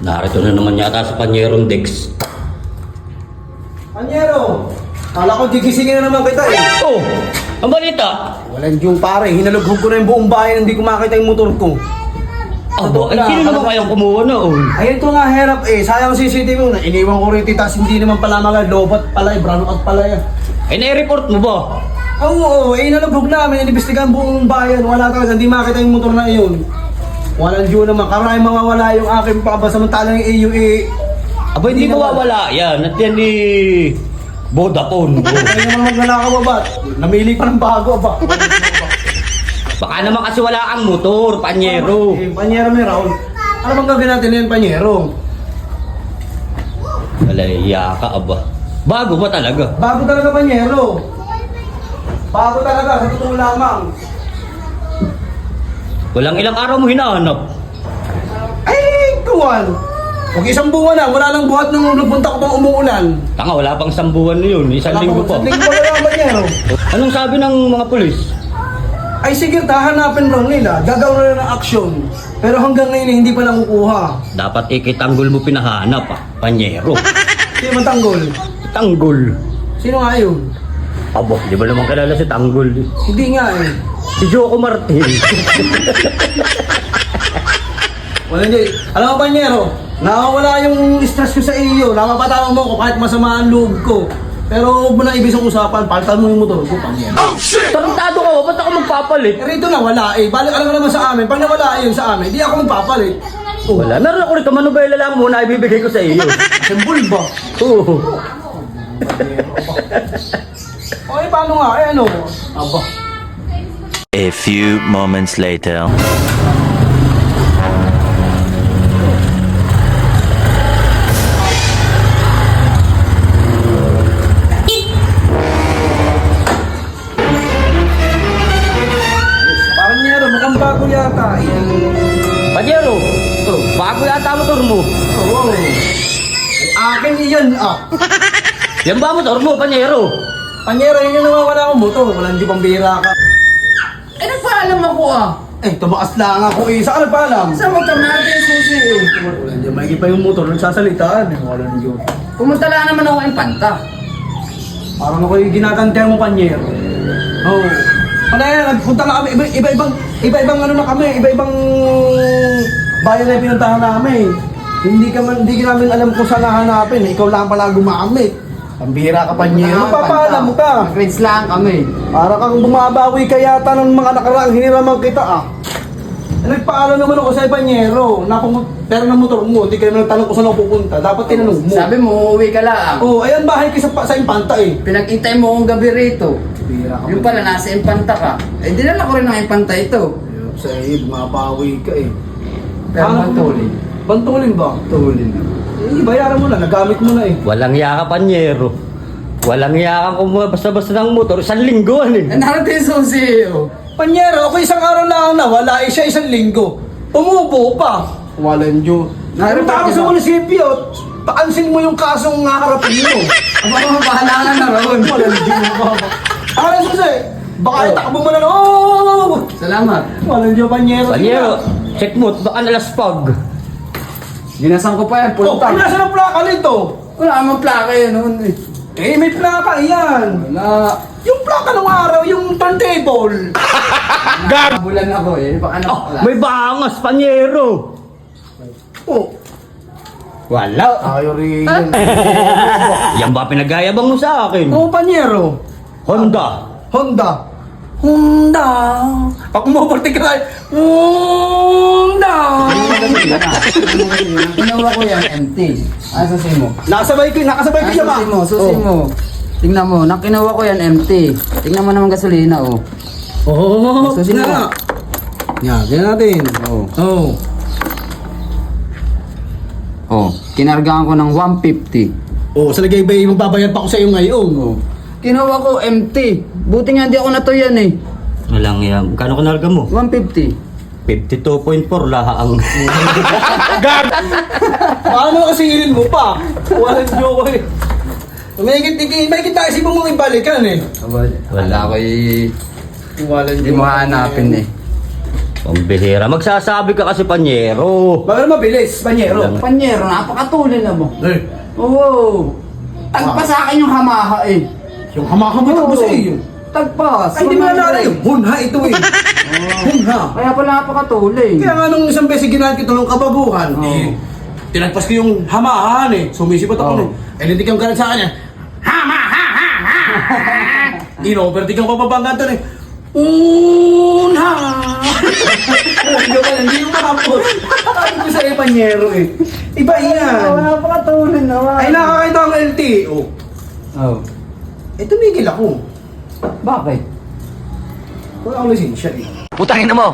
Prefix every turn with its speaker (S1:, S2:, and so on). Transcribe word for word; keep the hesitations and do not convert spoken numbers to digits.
S1: Narito na naman yata sa Panyerong Dex.
S2: Panyero! Kala ko gigisingin na naman kita eh.
S1: Oh! Ang balita!
S2: Walang yung pare, hinalughog ko na yung buong bayan, hindi ko makita yung motor ko.
S1: Aba, ay sino naman kayang kumuha na oh?
S2: Ayun ko nga herap eh, sayang C C T V mo na iniwan ko rin tas hindi naman pala mga lobat pala eh, brown out pala yan.
S1: Ay nai-report mo ba?
S2: Oo, oo, eh hinalughog namin, inimbestigahan buong bayan, wala talaga, hindi makita yung motor na iyon. Walang due naman, karami mawawala yung aking paba, samantalang yung A U A.
S1: Aba, hindi
S2: Hindi
S1: mawawala yan. At yan ni Vodafone.
S2: Ay naman magnanakaw ba? Namili pa ng bago ba?
S1: Baka naman kasi wala kang motor, Panyero.
S2: Eh, Panyero may Raul. Ano bang gagawin natin yan, Panyero?
S1: Wala, iya ka, aba. Bago ba talaga?
S2: Bago talaga, Panyero. Bago talaga, sa totoo lamang.
S1: Walang ilang araw mo hinahanap.
S2: Ay, kuwan. Huwag isang buwan na, wala nang buhat nung nagpunta ko pang umuulan.
S1: Tanga, wala pang isang buwan na yun. Isang linggo pa.
S2: Isang linggo pa lang, Panyero.
S1: Anong sabi ng mga pulis?
S2: Ay sige, tahanapin raw nila. Gagawin na ng aksyon. Pero hanggang ngayon, hindi pa nakukuha.
S1: Dapat ikitanggol mo pinahanap, ah. Panyero.
S2: Sino man tanggol?
S1: Tanggol.
S2: Sino nga yun?
S1: Abo, di ba naman kilala si Tanggol?
S2: Hindi nga eh.
S1: Si Joko Martin.
S2: Wala hindi. Alam mo, Panyero, nakawala yung stress ko sa iyo. Napapatawa mo ko kahit masama ang loob ko. Pero huwag mo na ibig sa usapan, palitan mo yung motor ko, Panyero.
S1: Tarantado ka ba? Ba't ako magpapalit?
S2: Eh, rito na, wala eh. Balik alam mo naman sa amin. Pag nawala yun sa amin, di ako magpapalit. Oh,
S1: Wala. Meron ako rito, manubela lang muna ibibigay ko sa iyo.
S2: symbol ba?
S1: Oo.
S2: O eh, paano nga? Eh, ano? Aba.
S3: A few moments later.
S2: Panyero, mukhang bago yata eh.
S1: Panyero,
S2: Oh.
S1: bago yata motor mo.
S2: Oo. Akin iyan ah.
S1: Yan ba motor mo, Panyero?
S2: Panyero, yun yung nawawala akong motor. Walang di pang bihira ka.
S4: Eh, nagpaalam ako ah.
S2: Eh, tumakas lang ako eh. Saan ka nagpaalam?
S4: Saan magkamate yung susi eh?
S2: Walang di maigi pa yung motor. Nagsasalitaan eh. Walang di.
S4: Pumunta lang naman ako ng panta.
S2: Parang ako yung ginagantihan mo, Panyero. Oo. Oh. Ano yan, nagpunta na kami. Iba- Iba-ibang, iba-ibang ano na kami. Iba-ibang bayan na yung pinuntahan namin. Hindi ka man, hindi ka namin alam kung saan hahanapin. Ikaw lang pala gumamit. Pambihira ka, Panyero. Magpapaalam ka.
S4: Grades lang kami.
S2: Para kang bumabawi ka yata ng mga nakaraang hiniraman kita ah. Eh, nagpaalam naman ako sa Panyero. Napang pera ng motor mo, hindi ka naman nagtanong kung saan ako pupunta. Dapat tinanong mo.
S4: Sabi mo, uuwi ka lang.
S2: Oh, ayan bahay ko sa, sa Impanta eh.
S4: Pinag-intay mo akong gabi rito.
S2: Bira ka
S4: Yung pala, nasa Impanta ka. Eh, dinala ko rin ng Impanta ito.
S2: Sa iyo, bumabawi ka eh.
S4: Pero
S2: Ano?
S4: bantulin.
S2: Bantulin ba?
S4: Tulin.
S2: Eh, bayaran mo na, nagamit mo na eh.
S1: Walang iya ka, Panyero. Walang iya ka kung basta-basta ng motor. Isang lingguan eh.
S4: Eh, narito yung susi oh.
S2: Panyero, ako isang araw lang na wala eh siya isang linggo. Umubo pa. Walang Diyo.
S4: Narito
S2: Narito ako sa
S4: ako.
S2: munisipyo. Paansin mo yung kasong haharapin mo.
S4: Ang mga bahala ka na ron.
S2: Walang Diyo. Ano susi? Baka
S4: Oh.
S2: itakbo mo na lang. Oh!
S4: Salamat.
S2: Walang Diyo, Panyero.
S1: Panyero, check mo. Baka nalaspag.
S4: Ginasan ko pa yan,
S2: Oh,
S4: punta.
S2: ano nasa ng plaka nito?
S4: Wala namang plaka yun noon eh.
S2: Eh, may plaka yan.
S4: Wala.
S2: Yung plaka ng araw, yung turntable.
S4: Nakabulan ako eh. Baka
S1: Oh,
S4: nakakala.
S1: may bangas, Panyero.
S2: Oh,
S1: Wala.
S2: ayaw rin yun.
S1: Yan ba pinagayabang mo sa akin?
S2: Oh, Panyero.
S1: Honda.
S2: Honda. Honda. Pag umuporti ka tayo, Honda.
S4: Ginawa ko yan, empty. Ah, susi mo.
S2: Nakasabay ko, nakasabay ko
S4: Ah,
S2: siya ba?
S4: susi mo, susi
S2: Oh.
S4: mo. Tingnan mo, nakinawa ko yan empty. Tingnan mo naman gasolina, oh.
S2: Oh,
S4: Susi mo.
S2: nga. Yan, ganyan natin.
S4: Oh.
S2: Oh.
S4: Oh, kinargahan ko ng one fifty.
S2: Oh, sa lagay ba magbabayad pa ako sa iyo ngayon? Oh.
S4: Kinuha ko empty. Buti nga hindi ako natuyan eh.
S1: Walang iya. Kano ka narga mo?
S4: one fifty.
S1: fifty-two point four laha ang...
S2: Paano kasi ilin mo pa? Walang joke eh. May kita, may kita isip mo mong ibalikan eh.
S4: Wala ko eh.
S2: Walang
S4: Hindi mo hahanapin eh.
S1: Pambihira. Magsasabi ka kasi, Panyero.
S2: Bakit mabilis, Panyero?
S4: Panyero, napakatulin na mo.
S2: Eh,
S4: Oo. Tagpa sa akin yung hamaha eh.
S2: yung hamakamot
S4: Oo.
S2: mo sa iyo.
S4: Tagpas.
S2: Ay, di mo nalala yung hunha ito eh. Hunha.
S4: Kaya pala napakatulin.
S2: Kaya nga nung isang beses ginahan kita ng kababuhan,
S4: Oo.
S2: eh, tinagpas ko yung hamahan eh. Sumisipot ako
S4: Oo.
S2: nun. Eh, hindi kang galit sa kanya. Hama, ha, ha, ha, ha. Ino-overtake ang papabanggan to eh. Unha! Hindi ko hindi yung makapos. Sabi ko sa Panyero eh. Iba
S4: Oo,
S2: yan.
S4: napakatulin naman.
S2: Ay, nakakita ang L T O. Oh.
S4: Oh.
S2: Eh, tumigil ako.
S4: Bakit?
S2: Wala akong lisensya eh.
S3: Putangin na mo!